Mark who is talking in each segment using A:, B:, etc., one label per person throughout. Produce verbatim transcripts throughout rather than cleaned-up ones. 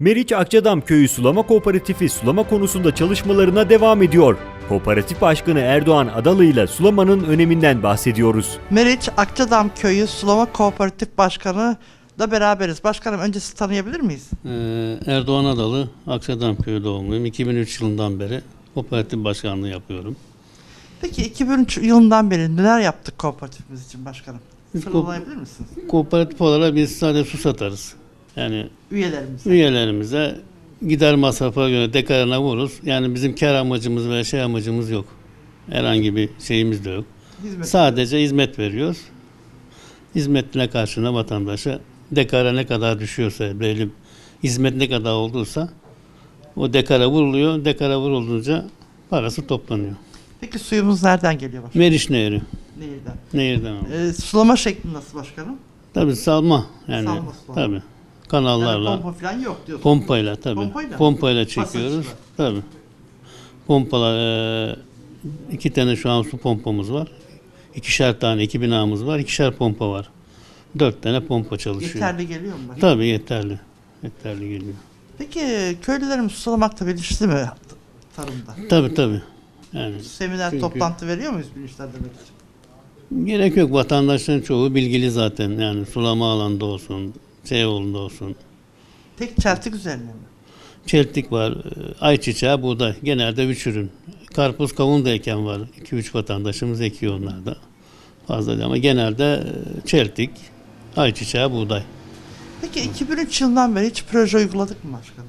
A: Meriç Akçadam Köyü Sulama Kooperatifi sulama konusunda çalışmalarına devam ediyor. Kooperatif Başkanı Erdoğan Adalı ile sulamanın öneminden bahsediyoruz.
B: Meriç Akçadam Köyü Sulama Kooperatif Başkanı da beraberiz. Başkanım, önce sizi tanıyabilir miyiz?
C: Ee, Erdoğan Adalı, Akçadam Köyü doğumluyum. iki bin üç yılından beri kooperatif başkanlığı yapıyorum.
B: Peki iki bin üç yılından beri neler yaptık kooperatifimiz için başkanım?
C: Biz
B: Sıralayabilir misiniz?
C: Kooperatif olarak biz sadece su satarız. Yani
B: Üyelerimiz.
C: üyelerimize gider masrafa göre dekarına vururuz. Yani bizim kar amacımız veya şey amacımız yok. Herhangi bir şeyimiz de yok.
B: Hizmet.
C: Sadece hizmet veriyoruz. Hizmetine karşına vatandaşa dekara ne kadar düşüyorsa, belli hizmet ne kadar olduysa o dekara vuruluyor. Dekara vurulunca parası toplanıyor.
B: Peki suyumuz nereden geliyor başkanım?
C: Meriç Nehri.
B: Nehirden.
C: Nehirden alıyor.
B: Ee, sulama şekli nasıl başkanım?
C: Tabii salma yani.
B: Salma sulama.
C: Tabii.
B: Yani
C: Kanallarla,
B: pompa falan yok diyorsun.
C: pompayla tabii.
B: Pompayla.
C: Pompayla çekiyoruz.
B: Pasajla.
C: Tabii. Pompalar, e, iki tane şu an su pompamız var. İkişer tane, iki binamız var. İkişer pompa var. Dört tane pompa çalışıyor.
B: Yeterli geliyor mu başkanım?
C: Tabii yeterli. Yeterli geliyor.
B: Peki köylülerimiz sulamakta bilinçli mi tarımda?
C: Tabii tabii. Yani
B: Seminer,
C: Çünkü-
B: toplantı veriyor muyuz bilinçlendirmek için?
C: gerek yok. Vatandaşların çoğu bilgili zaten. Yani sulama alanda olsun, şey yolunda olsun.
B: Tek çeltik üzerine mi?
C: Çeltik var, e, ayçiçeği, buğday. Genelde üç ürün. Karpuz, kavun da eken var. iki üç vatandaşımız ekiyor onlar da. Fazla değil ama genelde e, çeltik, ayçiçeği, buğday.
B: Peki iki bin üç yılından beri hiç proje uyguladık mı başkanım?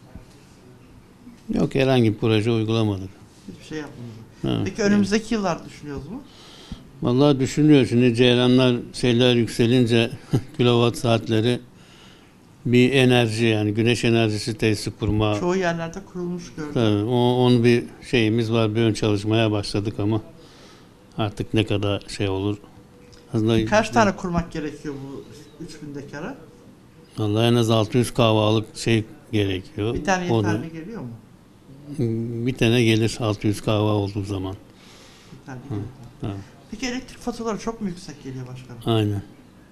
C: Yok, herhangi bir proje uygulamadık.
B: Hiçbir şey yapmadık.
C: Ha.
B: Peki önümüzdeki yıllar düşünüyoruz mu?
C: Vallahi düşünüyor. Şimdi ceyranlar şeyler yükselince kilowatt saatleri bir enerji, yani güneş enerjisi tesisi kurma.
B: Çoğu yerlerde kurulmuş gördüm.
C: Tabii, o, onun bir şeyimiz var. Bir ön çalışmaya başladık ama artık ne kadar şey olur. Aslında
B: Kaç tane kurmak gerekiyor bu üç bin dekara?
C: vallahi en az altı yüz kahvalık şey gerekiyor.
B: Bir tane
C: O da-
B: yeterli geliyor mu?
C: bir tane gelir altı yüz kahva olduğu zaman.
B: Yeterli geliyor.
C: Ha,
B: Peki elektrik faturaları çok mu yüksek geliyor başkanım?
C: aynen.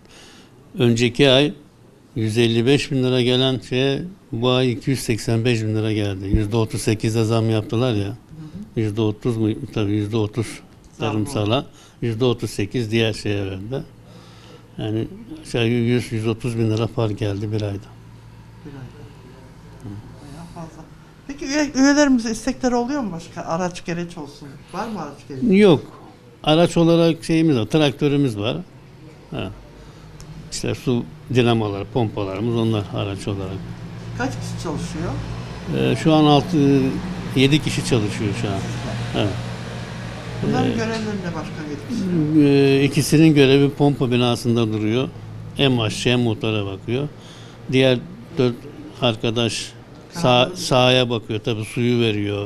C: Önceki ay yüz elli beş bin lira gelen şeye bu ay iki yüz seksen beş bin lira geldi. yüzde otuz sekizde zam yaptılar ya. yüzde otuz mu? Tabii yüzde otuz
B: Zam
C: tarımsala. yüzde otuz sekiz diğer şeye verdi. Yani aşağı yüz yüz otuz bin lira fark geldi bir ayda.
B: Bir ayda. Bayağı fazla. Peki üye, üyelerimize istekleri oluyor mu başka? Araç gereç olsun. Var mı araç gereç?
C: Yok. Araç olarak şeyimiz var. Traktörümüz var. Ha. İşte su dinamoları, pompalarımız onlar araç olarak.
B: Kaç kişi çalışıyor?
C: Ee, şu an altı yedi kişi çalışıyor şu an. Evet.
B: Bunların görevleri ne başkan yetkisi?
C: Ee, ikisinin görevi pompa binasında duruyor. Hem aşçı hem motora bakıyor. Diğer dört arkadaş sağ, sahaya bakıyor. Tabii suyu veriyor.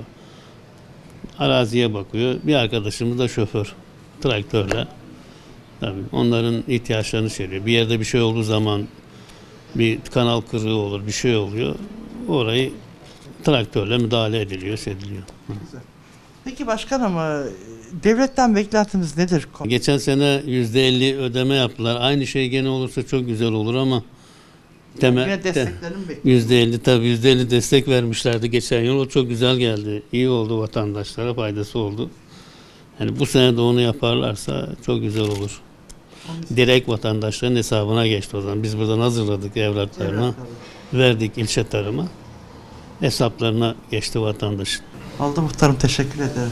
C: Araziye bakıyor. Bir arkadaşımız da şoför. Traktörle. Tabii onların ihtiyaçlarını söylüyor. Bir yerde bir şey olduğu zaman bir kanal kırığı olur, bir şey oluyor. Orayı traktörle müdahale ediliyor, ediliyor.
B: Güzel. Peki başkanım, e, devletten beklentimiz nedir?
C: Geçen sene yüzde elli ödeme yaptılar. Aynı şey gene olursa çok güzel olur ama temel
B: Yine
C: te-
B: desteklerini mi bekliyoruz?
C: yüzde elli tabii yüzde elli destek vermişlerdi geçen yıl. O çok güzel geldi. İyi oldu, vatandaşlara faydası oldu. Yani bu sene de onu yaparlarsa çok güzel olur. Direkt vatandaşların hesabına geçti o zaman. Biz buradan hazırladık evraklarını,
B: Evrakları.
C: verdik ilçe tarıma. Hesaplarına geçti vatandaşın.
B: Oldu muhtarım, teşekkür ederim.